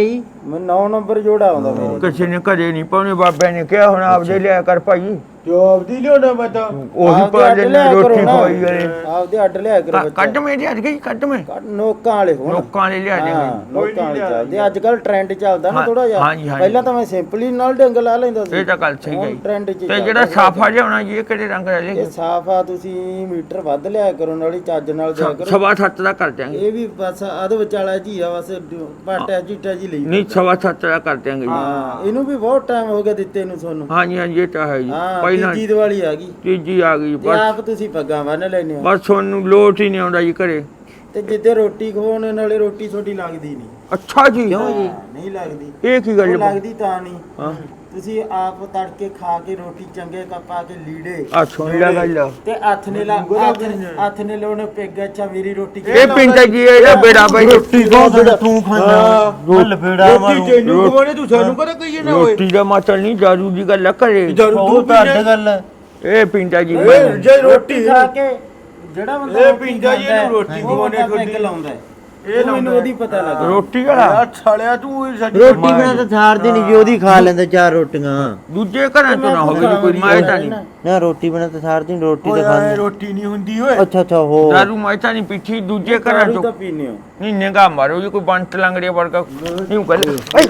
ਮੈਂ 9 ਨੰਬਰ ਜੋੜਾ ਆਉਂਦਾ ਮੇਰੇ
ਕਿਸੇ ਨੇ ਘਰੇ ਨਹੀਂ ਪਾਉਣੇ, ਬਾਬਿਆਂ ਨੇ ਕਿਹਾ ਹੁਣ ਆਪਦੇ ਲਿਆ ਕਰ ਭਾਈ,
ਜੋ ਆਪਦੀ ਲਿਆਉਣਾ ਮੈਂ ਤਾਂ
ਉਹੀ
ਆਪਦੇ
ਪਾ
ਅੱਡ
ਲੈਣਾ
ਲਿਆ ਕਰੋ
ਰੋਟੀ
ਨਾ।
ਖਵਾਈ ਗਏ।
ਆਪਦੇ ਅੱਡ ਲਿਆ ਕਰੋ ਬੱਚਾ।
ਕੱਢ ਮੇ ਲਿਆ ਗਈ, ਕੱਢ ਮੇ
ਨੋਕਾਂ ਵਾਲੇ ਹੋਣ,
ਲੋਕਾਂ ਵਾਲੇ ਲਿਆ
ਹਾਂ
ਦੇਗੇ।
ਲੋਕਾਂ ਵਾਲੇ ਚੱਲਦੇ ਅੱਜ ਕੱਲ ਟ੍ਰੈਂਡ ਚੱਲਦਾ ਨਾ
ਹਾਂ,
ਥੋੜਾ ਜਿਹਾ।
ਹਾਂਜੀ, ਹਾਂਜੀ।
ਪਹਿਲਾਂ ਤਾਂ ਮੈਂ ਸਿੰਪਲੀ ਨਾਲ ਡੰਗ ਲਾ ਲੈਂਦਾ ਸੀ,
ਇਹ ਤਾਂ ਗੱਲ ਸਹੀ ਹੈ ਜੀ।
ਟ੍ਰੈਂਡ ਚ
ਤੇ
ਚੱਲਦਾ
ਜਿਹੜਾ
ਸੀ।
ਸਾਫਾ ਲਿਆਉਣਾ ਜੀ ਇਹ ਕਿਹੜੇ ਰੰਗ ਦਾ
ਇਹ
ਲੈ
ਸਾਫਾ ਤੁਸੀਂ ਮੀਟਰ ਵੱਧ ਲਿਆ ਕਰੋ, ਨਾਲੇ ਚੱਜ ਨਾਲ ਦਿਆ ਕਰੋ।
7.5 ਦਾ ਕਰ ਦਿਆਂਗੇ।
ਇਹ ਵੀ ਬਸ ਅਧ ਵਿਚਾਲਾ ਜੀ ਆ, ਬਸ ਪਾਟਿਆ ਚੀਟਾ ਜੀ ਲਈ।
ਨਹੀਂ 7.5 ਦਾ ਕਰ ਦਿਆਂਗੇ ਜੀ।
ਹਾਂ ਇਹਨੂੰ ਵੀ ਬਹੁਤ ਟਾਈਮ ਹੋ ਗਿਆ ਦਿੱਤੇ ਨੂੰ ਤੁਹਾਨੂੰ।
ਹਾਂਜੀ ਹਾਂਜੀ ਇਹ ਤਾਂ ਹੈ ਜੀ।
ਹਾਂ
ਪਹਿਲਾਂ
ਤੀਜੀ ਦੀਵਾਲੀ ਆ ਗਈ
ਤੀਜੀ ਆ ਗਈ,
ਤੇ
ਬਸ
ਆਪ ਤੁਸੀਂ ਪੱਗਾਂ ਬੰਨ ਲੈਨੇ ਹੋ,
ਬਸ ਤੁਹਾਨੂੰ ਲੋਟ ਹੀ ਨਹੀਂ ਆਉਂਦਾ ਜੀ ਘਰੇ।
ਤੇ ਜਿੱਦੇ ਰੋਟੀ ਖਵਾਉਣ ਨਾਲੇ ਰੋਟੀ ਛੋਟੀ ਲੱਗਦੀ ਨਹੀਂ।
ਅੱਛਾ ਜੀ,
ਨਹੀਂ ਲੱਗਦੀ।
ਇਹ ਕੀ
ਉਹ
ਗੱਲ
ਲੱਗਦੀ ਤਾਂ ਨਹੀਂ,
ਹਾਂ
ਤੁਸੀਂ ਆਪ ਤੜਕੇ ਖਾ ਕੇ ਰੋਟੀ ਚੰਗੇ ਕੱਪ ਪਾ ਕੇ ਲੀੜੇ
ਆ ਸੁਣ ਲੈ ਗੱਲ।
ਤੇ ਹੱਥ ਨੇ ਲਾਉਣੇ ਪਿੱਗ। ਅੱਛਾ ਮੇਰੀ ਰੋਟੀ
ਇਹ ਪਿੰਡ ਜੀ ਇਹਦਾ ਬੇੜਾ ਬਈ ਰੋਟੀ
ਤੂੰ ਖਾਣਾ ਮੈਂ ਲਪੇੜਾ ਮਾਰੂ।
ਤੈਨੂੰ ਕਹਣੇ ਤੂੰ ਸਾਨੂੰ ਕਹਦਾ ਕਹੀਏ ਨਾ ਓਏ
ਰੋਟੀ ਦਾ ਮਾਤਲ ਨਹੀਂ ਦਾਰੂ ਦੀ ਗੱਲ ਕਰੇ।
ਦਾਰੂ
ਉਹ
ਤੂੰ
ਤਾਂ ਅੱਡ
ਪੀਣਾ
ਗੱਲ ਹੈ।
ਇਹ ਪਿੰਡਾ ਜੀ
ਓਏ ਜੇ ਰੋਟੀ
ਖਾ ਕੇ ਜਿਹੜਾ ਬੰਦਾ
ਇਹ
ਰੋਟੀ
ਪੀਂਦਾ ਜੀ,
ਖਾਂਦਾ
ਇਹਨੂੰ ਰੋਟੀ
ਉਹ
ਖਵਾਉਣੀ
ਬੰਦਾ
ਤੁਹਾਡੀ।
ਪੈਗ ਲਾਉਂਦਾ ਹੈ।
ਇਹ
ਇਹ ਮੈਨੂੰ ਉਹਦੀ ਪਤਾ ਲੱਗਾ।
ਰੋਟੀ ਵਾਲਾ
ਆ ਛਾਲਿਆ ਤੂੰ ਸਾਡੀ
ਰੋਟੀ ਬਿਨਾਂ ਤਾਂ ਥਾਰਦੀ ਨਹੀਂ ਜੀ, ਉਹਦੀ ਖਾ ਲੈਂਦਾ 4 ਰੋਟੀਆਂ।
ਦੂਜੇ ਘਰਾਂ ਤੋਂ ਨਾ ਹੋਵੇ ਜੀ ਕੋਈ ਮੈਂ ਤਾਂ ਨਹੀਂ।
ਨਾ ਰੋਟੀ ਬਿਨਾਂ ਤਾਂ ਥਾਰਦੀ ਨਹੀਂ, ਰੋਟੀ ਤਾਂ
ਓਏ
ਖਾਂਦੀ।
ਰੋਟੀ ਨਹੀਂ ਹੁੰਦੀ ਓਏ।
ਅੱਛਾ ਅੱਛਾ ਹੋ
ਦਾਰੂ ਮੈਂ ਤਾਂ ਨਹੀਂ ਪੀਠੀ ਦੂਜੇ ਘਰਾਂ
ਦਾਰੂ
ਤੋਂ
ਤਾਂ ਪੀਨੇ ਹੋ।
ਨਹੀਂ ਨਿਗਾ ਮਾਰੋ ਜੀ ਕੋਈ ਬੰਟ ਲੰਗੜੇ ਵਰਗਾ ਨਹੀਂ ਗੱਲ।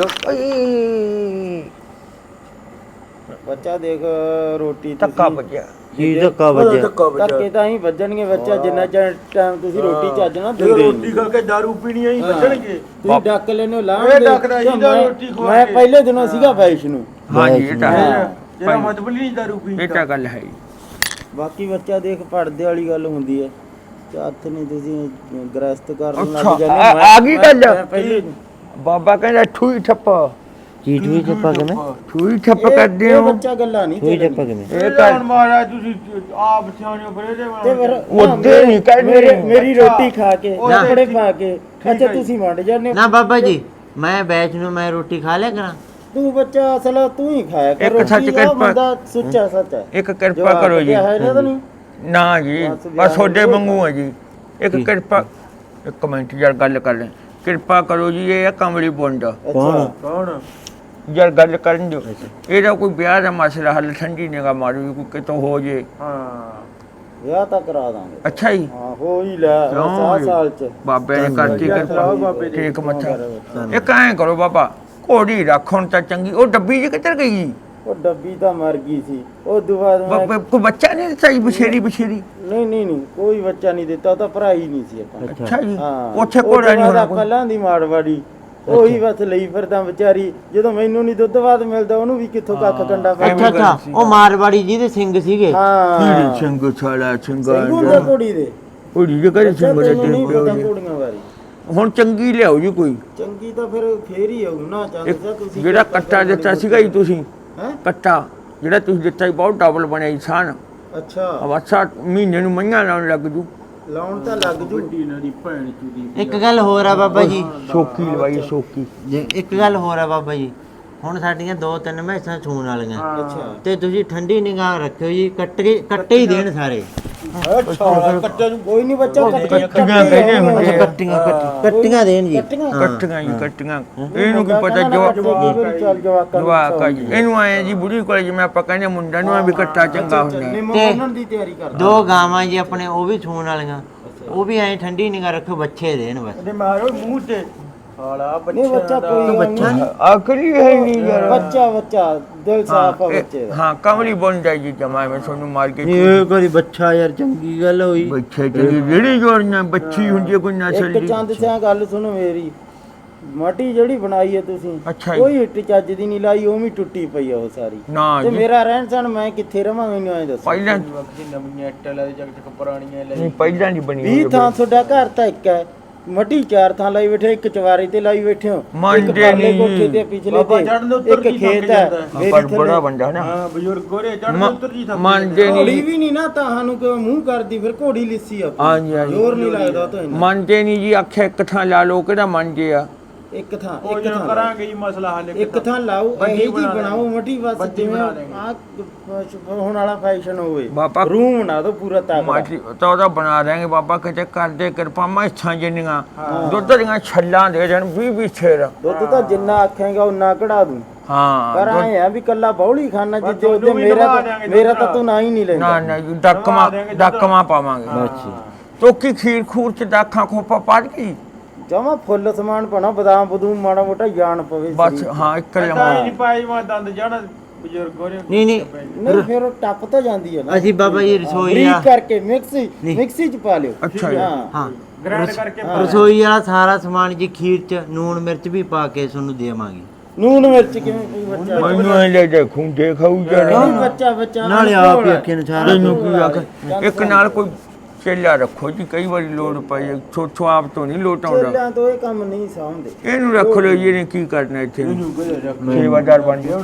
ਬੱਚਾ ਦੇਖ ਰੋਟੀ
ਧੱਕਾ ਵੱਜਿਆ
ਜੀ ਧੱਕਾ ਵੱਜਿਆ।
ਧੱਕੇ ਤਾਂ ਹੀ ਵੱਜਣਗੇ ਬੱਚਾ, ਜਿੰਨਾ ਚਿਰ ਟਾਈਮ ਤੁਸੀਂ ਰੋਟੀ ਚੱਜ ਨਾ
ਜਦੋਂ
ਦਿੰਦੇ
ਰੋਟੀ ਖਾ ਕੇ ਦਾਰੂ ਪੀਣੀ ਆਈ ਬਚਣਗੇ।
ਤੁਸੀਂ ਡੱਕ ਲੈਨੇ ਲਾਣ
ਇਹ ਡੱਕਦਾ ਜੀ ਦਾ ਰੋਟੀ ਖਵਾ
ਮੈਂ
ਕੇ।
ਪਹਿਲੇ ਦਿਨੋਂ ਸੀਗਾ ਵੈਸ਼ ਨੂੰ।
ਹਾਂਜੀ ਇਹ ਤਾਂ ਹੈ,
ਤੇਰਾ ਮਤਲਬ ਨਹੀਂ ਦਾਰੂ
ਇਹ
ਪੀਣ
ਤਾਂ ਗੱਲ ਹੈ ਜੀ।
ਬਾਕੀ ਬੱਚਾ ਦੇਖ ਪੜਦੇ ਵਾਲੀ ਗੱਲ ਹੁੰਦੀ ਹੈ। ਹੱਥ ਨਹੀਂ ਤੁਸੀਂ ਗ੍ਰਸਤ ਕਰਨ
ਅੱਛਾ,
ਲੱਗ ਜਾਂਦੇ।
ਆ ਗਈ ਗੱਲ।
ਮੈਂ ਪਹਿਲੇ
ਬਾਬਾ ਕਹਿੰਦਾ ਠੂਈ ਠੱਪ
ਚੀਟ ਵੀ ਚੱਪਾ ਕਿਵੇਂ?
ਠੂਈ ਠੱਪ
ਇਹ-
ਕਰਦੇ
ਇਹ
ਹੋ।
ਬੱਚਾ ਗੱਲਾਂ ਨਹੀਂ
ਕੋਈ
ਚੱਲਣੀ।
ਚੱਪਾ ਕਿਵੇਂ?
ਇਹ
ਇਹ
ਕਰ
ਹੁਣ ਮਹਾਰਾਜ ਤੁਸੀਂ ਆਪ ਸਿਆਣੇ ਹੋ ਫਿਰ ਇਹਦੇ
ਤੇ ਫਿਰ
ਉਹਦੇ ਨਹੀਂ ਕਹਿੰਦੇ।
ਮੇਰੀ ਰੋਟੀ ਖਾ ਕੇ
ਉਹਦੇ
ਕੱਪੜੇ
ਠੀਕ-
ਪਾ ਕੇ ਅੱਛਾ ਤੁਸੀਂ ਵੰਡ ਜਾਂਦੇ ਹੋ।
ਨਾ ਬਾਬਾ ਜੀ ਮੈਂ ਬੈਚ ਨੂੰ ਮੈਂ ਰੋਟੀ ਖਾ ਲਿਆ ਕਰਾਂ।
ਤੂੰ ਬੱਚਾ ਅਸਲ ਤੂੰ ਹੀ ਖਾਇਆ ਕਰ
ਇੱਕ
ਰੋਟੀ।
ਸੱਚ
ਉਹ
ਕਿਰਪਾ-
ਬੰਦਾ ਸੁੱਚਾ ਸੱਚ ਹੈ।
ਇੱਕ ਕਿਰਪਾ ਕਰੋ ਜੀ।
ਹੈ ਨਾ ਤਾਂ ਨਹੀਂ।
ਨਾ ਜੀ
ਬਸ
ਬਸ ਤੁਹਾਡੇ
ਵਿਆਹ
ਵਾਂਗੂ ਆ ਜੀ। ਇੱਕ ਕਿਰਪਾ ਇੱਕ ਮਿੰਟ ਯਾਰ ਗੱਲ ਕਰ ਲੈ। ਕਿਰਪਾ ਕਰੋ ਜੀ, ਇਹ ਆ ਕਮਲੀ ਬੁੰਡ
ਅੱਛਾ
ਕੌਣ
ਯਾਰ ਗੱਲ ਕਰਨ ਦਿਓ। ਇਹਦਾ ਕੋਈ ਵਿਆਹ ਦਾ ਮਸਲਾ ਹੱਲ ਠੰਡੀ ਨਿਗਾ ਮਾਰੋ ਜੀ, ਕੋਈ ਕਿਤੋਂ ਹੋ ਜੇ।
ਹਾਂ
ਵਿਆਹ ਤਾਂ ਕਰਾ ਦਾਂਗੇ।
ਅੱਛਾ ਜੀ,
ਹਾਂ ਹੋ ਹੀ ਲੈ
ਕਿਉਂ
7 ਸਾਲ ਚ।
ਬਾਬੇ ਨੇ ਕਰਤੀ
ਚਲਾਓ ਬਾਬੇ
ਕਿਰਪਾ।
ਦੀ।
ਠੀਕ ਮੱਥਾ ਇੱਕ ਐਂ ਕਰੋ ਬਾਬਾ, ਘੋੜੀ ਰੱਖ ਹੁਣ ਤਾਂ ਚੰਗੀ। ਉਹ ਡੱਬੀ ਜੀ ਕਿੱਧਰ ਗਈ?
ਉਹ ਡੱਬੀ ਤਾਂ ਮਰ ਗਈ ਸੀ। ਉਹ ਦੁਬਾਰ
ਬਾਬੇ ਕੋਈ ਬੱਚਾ ਨਹੀਂ ਦਿੱਤਾ ਜੀ? ਬਛੇਰੀ ਬਛੇਰੀ।
ਨਹੀਂ ਕੋਈ ਬੱਚਾ ਨਹੀਂ ਦਿੱਤਾ। ਉਹ ਤਾਂ ਭਰਾ ਹੀ ਨਹੀਂ ਸੀ ਆਪਾਂ।
ਅੱਛਾ ਜੀ,
ਹਾਂ
ਉੱਥੇ ਘੋੜਾ ਨਹੀਂ ਹੋਣਾ ਕੋਈ?
ਪਹਿਲਾਂ ਦੀ ਮਾੜਵਾੜੀ ਉਹੀ ਬਸ ਲਈ ਫਿਰਦਾ ਵਿਚਾਰੀ। ਜਦੋਂ ਮੈਨੂੰ ਨਹੀਂ ਦੁੱਧ ਬਾਦ ਮਿਲਦਾ ਉਹਨੂੰ ਵੀ ਕਿੱਥੋਂ ਕੱਖ ਕੰਡਾ ਪੈ
ਅੱਛਾ ਅੱਛਾ ਉਹ ਮਾਰਵਾੜੀ ਜਿਹਦੇ ਸਿੰਘ ਸੀਗੇ।
ਹਾਂ
ਕੀੜੀ ਸਿੰਘ ਛਾਲਾ
ਸਿੰਘੂ ਦਾ
ਸਿੰਘਾ
ਘੋੜੀ ਦੇ।
ਘੋੜੀ ਜੇ ਕਰੇ ਸਿੰਘ ਦੇ
ਤੈਨੂੰ ਨਹੀਂ ਪਤਾ
ਤੇ
ਘੋੜੀਆਂ ਬਾਰੇ।
ਹੁਣ ਚੰਗੀ ਲਿਆਓ ਜੀ ਕੋਈ।
ਚੰਗੀ ਤਾਂ ਫਿਰ ਫੇਰ ਹੀ ਆਉ ਨਾ ਚਾਹੁੰਦਾ ਤੁਸੀਂ।
ਜਿਹੜਾ ਕੱਟਾ ਦਿੱਤਾ ਸੀਗਾ ਜੀ ਤੁਸੀਂ,
ਹੈ
ਕੱਟਾ ਜਿਹੜਾ ਤੁਸੀਂ ਦਿੱਤਾ ਸੀ ਬਹੁਤ ਡਬਲ ਬਣਿਆ ਜੀ ਸਾਨ।
ਅੱਛਾ
ਅਵਸਾ ਮਹੀਨੇ ਨੂੰ ਮਈਆਂ ਲਾਉਣ ਲੱਗ ਜੂ।
ਲਾਉਣ ਤਾਂ ਲੱਗ ਜੂ।
ਇਹਨਾਂ ਦੀ ਭੈਣ ਚੁਦੀ
ਇੱਕ ਗੱਲ ਹੋਰ ਆ ਬਾਬਾ ਜੀ,
ਸੋਕੀ ਲਵਾਈ ਸੋਕੀ।
ਇੱਕ ਗੱਲ ਹੋਰ ਆ ਬਾਬਾ ਜੀ, ਹੁਣ ਸਾਡੀਆਂ 2-3 ਮੈਸਾਂ ਸੂਣ ਵਾਲੀਆਂ
ਅੱਛਾ
ਤੇ ਤੁਸੀਂ ਠੰਡੀ ਨਿਗਾਹ ਰੱਖਿਓ ਜੀ। ਕੱਟੇ ਹੀ ਦੇਣ ਸਾਰੇ।
ਅੱਛਾ ਕੱਟੇ ਨੂੰ
ਕੋਈ ਨਹੀਂ ਬੱਚਾ
ਕੱਟੀਆਂ ਕਹਿੰਦੇ ਹੁੰਦੇ ਆ।
ਕੱਟੀਆਂ ਦੇਣ ਜੀ।
ਕੱਟੀਆਂ ਜੀ ਕੱਟੀਆਂ। ਇਹਨੂੰ ਕੀ ਪਤਾ
ਚੱਲ
ਜਵਾਕ
ਜਵਾਕਾਂ
ਜੀ। ਇਹਨੂੰ ਆਏ ਜੀ ਬੁੜੀ ਕੋਲ ਜਿਵੇਂ ਆਪਾਂ ਕਹਿੰਦੇ ਮੁੰਡਾ ਨੂੰ ਆ ਵੀ ਕੱਟਾ ਚੰਗਾ ਹੁੰਦਾ।
ਨਿੰਮ
ਤੇ-
ਬੰਨਣ ਦੀ ਤਿਆਰੀ ਕਰਦਾ।
2 ਗਾਵਾਂ ਜੀ ਆਪਣੇ ਉਹ ਵੀ ਸੂਣ ਵਾਲੀਆਂ, ਉਹ ਵੀ ਐਂ ਠੰਡੀ ਨਿਗਾਹ ਰੱਖੋ, ਬੱਚੇ ਦੇਣ ਬਸ।
ਇਹਦੇ ਮਾਰੋ ਮੂੰਹ ਤੇ ਹਾਲਾ
ਨਹੀਂ ਬੱਚਾ ਕੋਈ
ਬੱਚਾ ਨਹੀਂ।
ਆਖਰੀ ਹੈ ਨਹੀਂ ਯਾਰ।
ਬੱਚਾ ਦਿਲ ਸਾਫ ਆ ਬੱਚੇ ਦਾ।
ਹਾਂ ਕਮਲੀ ਬਣ ਜਾਈ ਜੀ ਜਮਾ ਮੈਂ ਤੁਹਾਨੂੰ ਮਾਰ ਕੇ।
ਇਹ ਕੋਈ ਬੱਚਾ ਯਾਰ ਚੰਗੀ ਗੱਲ ਹੋਈ।
ਬੱਚੇ ਜਿਹੜੀ ਜਿਹੜੀ ਜੋੜੀਆਂ ਬੱਚੀ ਹੁੰਦੀ ਹੈ ਕੋਈ ਨਸਲ
ਇੱਕ
ਦੀ।
ਚੰਦ ਸਿਆਂ ਗੱਲ ਸੁਣੋ ਮੇਰੀ। ਮਾਟੀ ਜਿਹੜੀ ਬਣਾਈ ਹੈ ਤੁਸੀਂ
ਅੱਛਾ ਜੀ।
ਕੋਈ ਇੱਟ ਚੱਜ ਦੀ ਨਹੀਂ ਲਾਈ, ਉਵੇਂ ਹੀ ਟੁੱਟੀ ਪਈ ਆ ਉਹ ਸਾਰੀ।
ਨਾ
ਤੇ
ਜੀ
ਮੇਰਾ ਰਹਿਣ ਸਹਿਣ ਮੈਂ ਕਿੱਥੇ ਰਵਾਂ ਮੈਨੂੰ ਐਂ ਦੱਸੋ।
ਪਹਿਲਾਂ
ਵਕਤੀ ਨਵੀਆਂ ਇੱਟਾਂ ਲੈ ਚੱਕ ਚੱਕ ਪੁਰਾਣੀਆਂ ਲੈ
ਨਹੀਂ ਪਹਿਲਾਂ ਨਹੀਂ ਬਣੀ
20 ਥਾਂ ਤੁਹਾਡਾ ਘਰ ਤਾਂ ਇੱਕ ਹੈ। ਮੱਟੀ 4 ਥਾਂ ਲਾਈ ਬੈਠੇ, ਇੱਕ ਚਵਾਰੀ ਤੇ ਲਾਈ ਬੈਠੇ ਹੋ, ਇੱਕ
ਮੰਨਦੇ
ਪਰਲੇ
ਨਹੀਂ।
ਕੋਠੇ ਤੇ ਪਿਛਲੇ
ਬਾਬਾ
ਤੇ
ਚੜ੍ਹਨ ਦੇ ਉੱਤਰ
ਇੱਕ
ਦੀ
ਖੇਤ
ਥੱਕ
ਹੈ
ਜਾਂਦਾ।
ਮੇਰੀ
ਪਰ
ਥੱਲੇ।
ਬੜਾ ਬੰਦਾ ਨਾ
ਹਾਂ ਬਜ਼ੁਰਗ ਗੋਰੇ ਚੜ੍ਹਨ ਉੱਤਰ ਦੀ ਥੱਕ
ਮੰਨਦੇ
ਘੋੜੀ
ਨਹੀਂ।
ਵੀ ਨਹੀਂ ਨਾ ਤੁਹਾਨੂੰ ਕਿ ਮੂੰਹ ਕਰਦੀ, ਫਿਰ ਘੋੜੀ ਲਿੱਸੀ ਆ।
ਹਾਂਜੀ ਹਾਂਜੀ
ਜ਼ੋਰ ਨਹੀਂ ਲੱਗਦਾ ਤਾਂ ਇਹਨਾਂ।
ਮੰਨਦੇ ਨਹੀਂ ਜੀ। ਆਖਿਆ ਇੱਕ ਥਾਂ ਲਾ ਲੋ ਕਿਹੜਾ ਮੰਨਦੇ ਆ।
ਇੱਕ ਥਾਂ
ਉਹ
ਇੱਕ
ਜਦੋਂ
ਥਾਂ
ਕਰਾਂਗੇ ਜੀ ਮਸਲਾ ਹੱਲ
ਇੱਕ ਥਾਂ ਲਾਓ
ਵੱਡੀ
ਇਹ ਜੀ
ਬਣਾ
ਬਣਾਓ ਮੱਠੀ ਬਸ
ਵੱਡੀ
ਜਿਵੇਂ
ਬਣਾ ਦੇਂਗੇ।
ਆ ਹੁਣ ਵਾਲਾ ਫੈਸ਼ਨ ਹੋਵੇ
ਬਾਬਾ
ਰੂਮ ਬਣਾ ਦਿਓ ਪੂਰਾ ਤਗੜਾ
ਮਾਟੀ ਤਾਂ ਉਹਦਾ ਬਣਾ ਦੇਂਗੇ ਬਾਬਾ ਕਿਤੇ ਕਰਦੇ ਕਿਰਪਾ ਮੈਸਾਂ ਜਿੰਨੀਆਂ ਦੁੱਧ ਦੀਆਂ ਛੱਲਾਂ ਦੇ ਦੇਣ 20 ਛੇਰ
ਦੁੱਧ ਤਾਂ ਜਿੰਨਾ ਆਖੇਗਾ ਉਨਾ ਕਢਾ ਦੂੰ
ਹਾਂ
ਪਰ
ਦੁੱਧ-
ਆਏ ਆ ਵੀ ਕੱਲਾ ਬੌਲੀ ਖਾਨਾ
ਬਸ
ਜਿੱਦੇ ਉਹਦੇ
ਤੁਹਾਨੂੰ ਵੀ
ਮੇਰਾ
ਦਬਾ
ਤਾਂ
ਦਿਆਂਗੇ
ਮੇਰਾ
ਦੁੱਧ
ਤਾਂ ਤੂੰ ਨਾ ਹੀ ਨਹੀਂ
ਨਾ
ਲੈਂਦਾ
ਨਾ ਜੀ, ਡੱਕਮਾ ਪਾਵਾਂਗੇ ਤੋਕੀ ਖੀਰ ਖੂਰ ਚ ਦਾਖਾਂ ਖੋਪਾ ਪਾ ਗਈ
ਜਮਾ ਫੁੱਲ ਸਮਾਨ ਪਾਣਾ ਬਦਾਮ ਬਦੂਮ ਮਾੜਾ ਮੋਟਾ ਜਾਣ ਪਵੇ
ਬਸ
ਸਰੀਰ 'ਚ।
ਹਾਂ ਇੱਕ
ਤਾਂ ਹੀ
ਲਮਾ
ਨਹੀਂ ਪਾਈ ਮੈਂ ਦੰਦ ਜਾਣਾ ਬਜ਼ੁਰਗ ਹੋਰੇ
ਨਹੀਂ ਨਹੀਂ
ਨਹੀਂ ਫਿਰ ਉਹ ਟੱਪ ਤਾਂ ਜਾਂਦੀ ਹੈ ਨਾ
ਅਸੀਂ ਬਾਬਾ ਜੀ ਰਸੋਈ
ਬਰੀਕ
ਆ
ਕਰਕੇ ਮਿਕਸੀ ਚ ਪਾ ਲਿਓ
ਅੱਛਾ ਜੀ।
ਹਾਂ
ਹਾਂ
ਗ੍ਰਾਈਂਡ ਕਰਕੇ
ਰਸੋਈ ਵਾਲਾ ਸਾਰਾ ਸਮਾਨ ਜੀ ਖੀਰ ਚ ਨੂਣ ਮਿਰਚ ਵੀ ਪਾ ਕੇ ਤੁਹਾਨੂੰ ਦੇਵਾਂਗੇ
ਨੂਨ ਮਿਰਚ ਕਿਵੇਂ ਕੋਈ ਬੱਚਾ
ਮੈਨੂੰ ਇਹ ਲੈ ਦੇ ਖੁੰਡੇ ਖਾਊ ਜਰੇ
ਨਹੀਂ ਬੱਚਾ
ਨਾਲੇ ਆਪ ਹੀ ਅੱਖੇ ਨੂੰ ਸਾਰਾ
ਤੈਨੂੰ ਕੀ ਆਖ ਇੱਕ ਨਾਲ ਕੋਈ ਚੇਲਾ ਰੱਖੋ ਜੀ ਕਈ ਵਾਰੀ ਲੋੜ ਪਈ ਛੋਟੋ ਆਪ ਤੋਂ ਨਹੀਂ ਲੋਟ ਆਉਂਦਾ
ਚੇਲਿਆਂ ਤੋਂ ਇਹ ਕੰਮ ਨਹੀਂ ਸਾਂਭਦੇ
ਇਹਨੂੰ ਰੱਖ ਲਓ ਜੀ, ਇਹਨੇ ਕੀ ਕਰਨਾ ਇੱਥੇ ਸੇਵਾਦਾਰ ਬਣ ਗਿਆ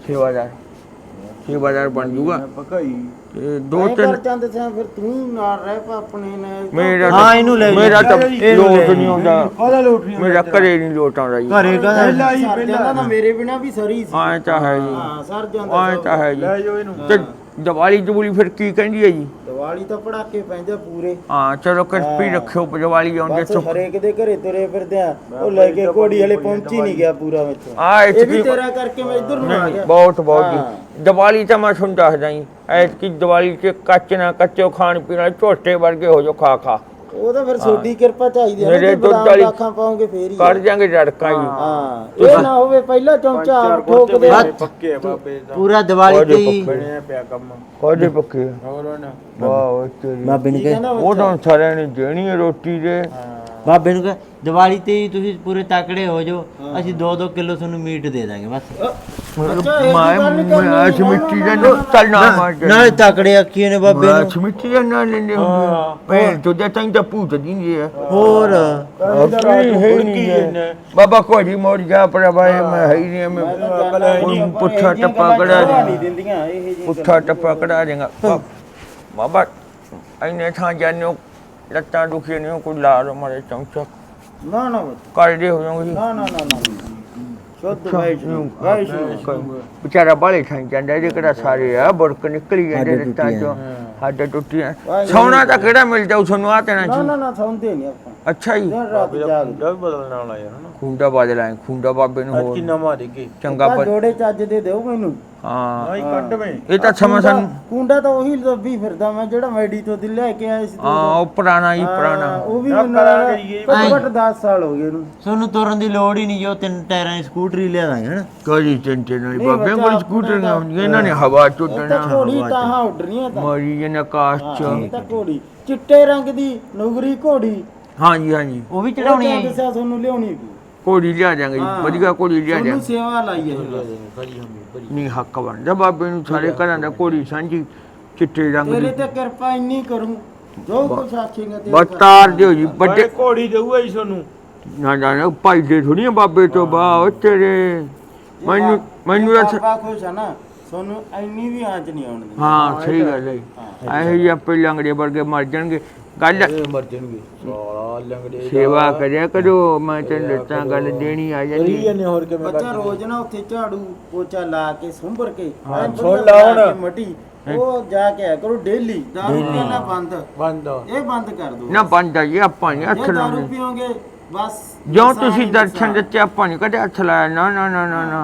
ਸੇਵਾਦਾਰ ਬਣ ਜੂਗਾ
ਪਕਾਈ
ਤੇ ਦੋ
ਐਂ
ਤਿੰਨ
ਕਰ ਚੰਦ ਸਿਆ ਫਿਰ ਤੂੰ ਨਾਲ ਰਹਿ ਪਾ ਆਪਣੇ ਨੇ
ਮੇਰਾ
ਹਾਂ, ਇਹਨੂੰ ਲੈ
ਮੇਰਾ ਤਾਂ
ਇਹਨੂੰ
ਲੋਟ
ਲੈ
ਨਹੀਂ ਆਉਂਦਾ
ਕਾਹਦਾ ਲੋਟ ਨਹੀਂ
ਮੇਰਾ ਘਰੇ ਨਹੀਂ ਲੋਟ ਆਉਂਦਾ ਜੀ
ਘਰੇ ਕਹਦਾ
ਪਹਿਲਾਂ ਹੀ
ਸਰ ਜਾਂਦਾ ਤਾਂ ਮੇਰੇ ਬਿਨਾ ਵੀ ਸਰੀ ਸੀ
ਆਏ ਤਾਂ ਹੈ ਜੀ
ਹਾਂ ਸਰ ਜਾਂਦਾ
ਆਏ ਤਾਂ ਹੈ ਜੀ
ਲੈ ਜਾਓ ਇਹਨੂੰ
ਤੇ ਦੀਵਾਲੀ ਜਬੂਲੀ ਫਿਰ ਕੀ ਕਹਿੰਦੀ ਹੈ ਜੀ
ਦੀਵਾਲੀ ਤਾਂ ਪੜਾਕੇ ਪੈਂਦੇ ਪੂਰੇ
ਹਾਂ ਚਲੋ ਕਿਰਪੀ ਰੱਖਿਓ ਦੀਵਾਲੀ ਆਉਂਦੇ
ਬਸ ਹਰੇਕ ਦੇ ਘਰੇ ਤੁਰੇ ਫਿਰਦੇ ਆ ਉਹ ਲੈ ਕੇ ਘੋੜੀ ਹਲੇ ਪਹੁੰਚੀ ਨਹੀਂ ਗਿਆ ਪੂਰਾ ਵਿੱਚ
ਆ
ਇਹ ਵੀ ਤੇਰਾ ਕਰਕੇ ਮੈਂ ਇੱਧਰ ਨੂੰ ਆ ਗਿਆ
ਬਹੁਤ ਬਹੁਤ
ਹਾਂ।
ਜੀ ਦੀਵਾਲੀ ਤਾਂ ਮੈਂ ਤੁਹਾਨੂੰ ਦੱਸਦਾ ਜੀ ਐਤਕੀ ਦੀਵਾਲੀ 'ਚ ਕੱਚ ਨਾ ਕੱਚੋ ਖਾਣ ਪੀਣ ਵਾਲੇ ਝੋਟੇ ਵਰਗੇ ਹੋ ਜੋ ਖਾ ਖਾ
ਉਹ ਤਾਂ ਫਿਰ ਛੋਟੀ ਕਿਰਪਾ ਚਾਹੀਦੀ ਹੈ
ਮੇਰੇ
ਨਾ
ਦੁੱਧ ਵਾਲੀ-
ਅੱਖਾਂ ਪਾਉਂਗੇ ਫੇਰ ਹੀ
ਕਰ ਜਾਂਗੇ ਰੜਕਾਂ ਜੀ
ਹਾਂ ਇਹ ਨਾ ਹੋਵੇ ਪਹਿਲਾ ਚਮਚਾ ਠੋਕ ਦੇ
ਪੱਕੇ ਆ ਬਾਬੇ ਦਾ
ਪੂਰਾ ਦੀਵਾਲੀ ਤੇ ਹੀ
ਬਣਿਆ ਪਿਆ ਕੰਮ
ਕੋਦੇ ਪੱਕੇ
ਹੋਰ ਨਾ
ਵਾਹ ਤੇਰੀ
ਬਾਬੇ ਨੂੰ
ਕੀ
ਕਹੇ
ਕਹਿੰਦਾ
ਉਹ
ਬੱਚਾ?
ਤਾਂ ਸਾਰਿਆਂ ਨੇ ਦੇਣੀ ਹੈ ਰੋਟੀ ਦੇ
ਬਾਬੇ ਨੂੰ ਕਹੇ ਦੀਵਾਲੀ ਤੇ ਹੀ ਤੁਸੀਂ ਪੂਰੇ ਤਕੜੇ ਹੋ ਜਾਓ ਅਸੀਂ 2-2 ਕਿਲੋ ਤੁਹਾਨੂੰ ਮੀਟ ਦੇ ਦਾਂਗੇ ਬਸ
ਬੱਚਾ ਇਹ ਗੱਲ ਨਹੀਂ ਕਰਨੀ।
ਮੈਂ ਸਮਿੱਟੀ ਦਾ ਨਾ ਚੱਲਣਾ ਮਾਰ
ਨਾਲੇ ਤਕੜੇ ਅੱਖੀਏ ਨੇ ਬਾਬੇ
ਮੈਂ
ਨੂੰ
ਸਮਿੱਟੀ ਦਾ ਨਾ ਲੈਂਦੇ ਹੁੰਦੇ ਭੈਣ ਤੋਂ ਦੇ ਤਾਂ ਤਾਂ ਭੂਤ ਦਿੰਦੇ ਆ
ਹੋਰ
ਆਪਣੀ ਹੈ ਹੀ ਨਹੀਂ ਹੈ। ਬਾਬਾ ਕੋਈ ਮੋੜ ਜਾ ਪਰ ਭਾਈ ਮੈਂ ਹੈ ਹੀ ਨਹੀਂ ਮੈਂ
ਮੈਂ ਤਾਂ ਜਾਂਦਾ ਹੀ ਨਹੀਂ, ਪਰ
ਪੁੱਠਾ
ਇਹ ਜਿਹੀਆਂ
ਟੱਪਾ
ਗੱਲਾਂ
ਕਢਾ
ਚਾਹ
ਦੇ
ਨਹੀਂ ਦਿੰਦੀਆਂ ਇਹ ਜਿਹੀਆਂ
ਪੁੱਠਾ ਟੱਪਾ ਕਢਾ ਦੇਗਾ ਬਾਬਾ ਐਨੇ ਥਾਂ ਜਾਨੋ ਲੱਤਾਂ ਦੁਖੀ ਨਹੀਂ ਕੋਈ ਲਾ ਲੋ ਮਾਰੇ ਚਮਚਾ
ਨਾ ਨਾ ਬੱਚਾ,
ਕਰਦੇ ਹੋ ਜਾਓਗੇ
ਨਾ ਨਾ ਨਾ ਨਾ ਸ਼ੁੱਧ ਵੈਸ਼ਨੂੰ
ਵਿਚਾਰਾ ਬਾਲੇ ਖਾਈ ਜਾਂਦਾ ਇਹਦੇ ਕਿਹੜਾ ਸਾਰੇ ਆ ਬੁਰਕ ਨਿਕਲੀ ਜਾਂਦੇ ਲੱਤਾਂ ਚੋਂ ਹੱਡ ਟੁੱਟੀਆਂ ਸੌਣਾ ਤਾਂ ਕਿਹੜਾ ਮਿਲ ਜਾਊ ਤੁਹਾਨੂੰ ਆ ਤੇਣਾ
ਨਾ
ਜੀ
ਨਾ ਨਾ ਸੌਂਦੇ ਨਹੀਂ ਆਪਾਂ
ਅੱਛਾ ਜੀ
ਦਿਨ ਰਾਤ ਜਾਗ
ਜਦ ਬਦਲਣ ਵਾਲਾ ਯਾਰ ਹਨਾ
ਖੁੰਡਾ ਬਾਦਲ ਆਏ ਖੁੰਡਾ ਬਾਬੇ ਨੂੰ
ਅੱਜ
ਹੋਰ
ਕੀ ਨਵਾਂ ਦੇਗੇ
ਚੰਗਾ
ਆ
ਪਰ
ਜੋੜੇ ਚੱਜ ਦੇ ਦਿਓ ਮੈਨੂੰ
ਹਾਂ
ਆਈ ਕੱਢਵੇਂ
ਇਹ ਤਾਂ ਸਮਾਂ ਸਾਨੂੰ
ਕੁੰਡਾ ਤਾਂ ਉਹੀ ਲੱਭੀ ਫਿਰਦਾ ਮੈਂ ਜਿਹੜਾ ਮੈਡੀ ਤੋਂ ਦਿਲ ਲੈ ਕੇ ਆਇਆ ਸੀ
ਹਾਂ ਉਹ ਪੁਰਾਣਾ ਹੀ ਪੁਰਾਣਾ
ਉਹ ਵੀ
ਨਾ
ਮੈਨੂੰ
ਕਰਾਂਗੇ ਜੀ,
ਘੱਟੋ ਘੱਟ 10 ਸਾਲ ਹੋ ਗਏ ਇਹਨੂੰ
ਤੁਹਾਨੂੰ ਤੁਰਨ ਦੀ ਲੋੜ ਹੀ ਨਹੀਂ ਜੋ 3 ਟਾਇਰਾਂ ਦੀ ਸਕੂਟਰੀ ਲਿਆ ਦਾਂਗੇ ਹਨਾ
ਕੋਈ ਚਿੰਤੇ ਨਹੀਂ
ਨਹੀਂ
ਬਾਬੇ
ਬੱਚਾ
ਕੋਲ
ਆਪਣੇ
ਸਕੂਟਰ
ਦਾ-
ਨਹੀਂ ਇਹਨਾਂ ਨੇ ਹਵਾ
ਇਹ ਤਾਂ
ਚੁੱਟਣਾ
ਘੋੜੀ ਤਾਂ ਉੱਡ ਰਹੀਆਂ ਤਾਂ
ਮਰੀ ਜਨ ਆਕਾਸ਼
ਹਾਂ,
ਚ
ਇਹ ਤਾਂ ਘੋੜੀ ਚਿੱਟੇ ਰੰਗ ਦੀ ਨੁਗਰੀ ਘੋੜੀ
ਹਾਂਜੀ ਹਾਂਜੀ
ਉਹ ਵੀ
ਉਹ
ਚੜਾਉਣੀ
ਤਾਂ
ਹੈ
ਦੱਸਿਆ ਤੁਹਾਨੂੰ ਲਿਆਉਣੀ ਵੀ
ਕੋੜੀ ਲਿਆ ਜਾਂਗੇ ਜੀ
ਹਾਂ।
ਵਧੀਆ ਕੋੜੀ ਲਿਆ
ਤੁਹਾਨੂੰ
ਜਾਂਗੇ
ਸੇਵਾ ਲਾਈ ਹੈ
ਨਹੀਂ ਹੱਕ ਬਣਦਾ ਬਾਬੇ ਨੂੰ ਸਾਰੇ ਘਰਾਂ ਦਾ ਕੋੜੀ ਸਾਂਝੀ ਚਿੱਟੇ ਰੰਗ
ਤੇਰੇ
ਦੀ
ਤੇ ਕਿਰਪਾ ਇੰਨੀ ਕਰੂੰ ਜੋ ਕੁਛ ਆਖੇਗਾ ਤੇ
ਬਸ ਤਾਰ ਦਿਓ ਜੀ
ਵੱਡੇ
ਵੱਡੇ
ਘੋੜੀ ਦੇਊਗਾ ਜੀ ਤੁਹਾਨੂੰ
ਨਾ ਨਾ ਭਾਈ ਦੇ ਥੋੜੀਆਂ ਬਾਬੇ ਤੋਂ ਬਾਹ ਤੇਰੇ ਮੈਨੂੰ ਤਾਂ
ਬਾਬਾ ਖੁਸ਼ ਆ ਨਾ ਤੁਹਾਨੂੰ ਇੰਨੀ ਵੀ ਆਂਚ ਨਹੀਂ ਆਉਣ ਦਿੰਦਾ
ਹਾਂ ਸਹੀ ਗੱਲ ਹੈ ਇਹੋ ਜਿਹੇ ਆਪੇ ਲੰਗੜੇ ਵਰਗੇ ਮਰ ਜਾਣਗੇ ਗੱਲ
ਮਰ ਜਾਣਗੇ ਸਾਲਾ ਲੰਗੜੇ
ਸੇਵਾ ਕਰਿਆ ਕਰੋ ਮੈਂ ਤੈਨੂੰ ਦੱਸਾਂ ਗੱਲ ਦੇਣੀ ਆ ਜਾਂਦੀ
ਨੇ ਹੋਰ ਕਿਵੇਂ
ਬੱਚਾ ਰੋਜ਼ ਨਾ ਉੱਥੇ ਝਾੜੂ ਪੋਚਾ ਲਾ ਕੇ ਸੁੰਭਰ ਕੇ ਐਨ
ਸੁਣ
ਵਧੀਆ
ਲਾ
ਬਣਾ
ਹੁਣ।
ਕੇ ਮਟੀ ਉਹ ਜਾ ਕੇ ਆਇਆ ਕਰੋ ਡੇਲੀ ਦਾਰੂ ਪੀਣਾ ਬੰਦ
ਬੰਦ
ਇਹ ਬੰਦ ਕਰ ਦੋ
ਨਾ ਬੰਦਾ ਜੀ ਆਪਾਂ ਨਹੀਂ ਹੱਥ
ਇਹ ਦਾਰੂ
ਲਾਉਂਦੇ
ਪੀਓਗੇ ਬਸ
ਜੋ
ਨੁਕਸਾਨ
ਤੁਸੀਂ
ਹੀ
ਦਰਸ਼ਨ
ਨੁਕਸਾਨ।
ਦਿੱਤੇ ਆਪਾਂ ਨਹੀਂ ਕਦੇ ਹੱਥ ਲਾਇਆ ਨਾ ਨਾ ਨਾ ਨਾ ਨਾ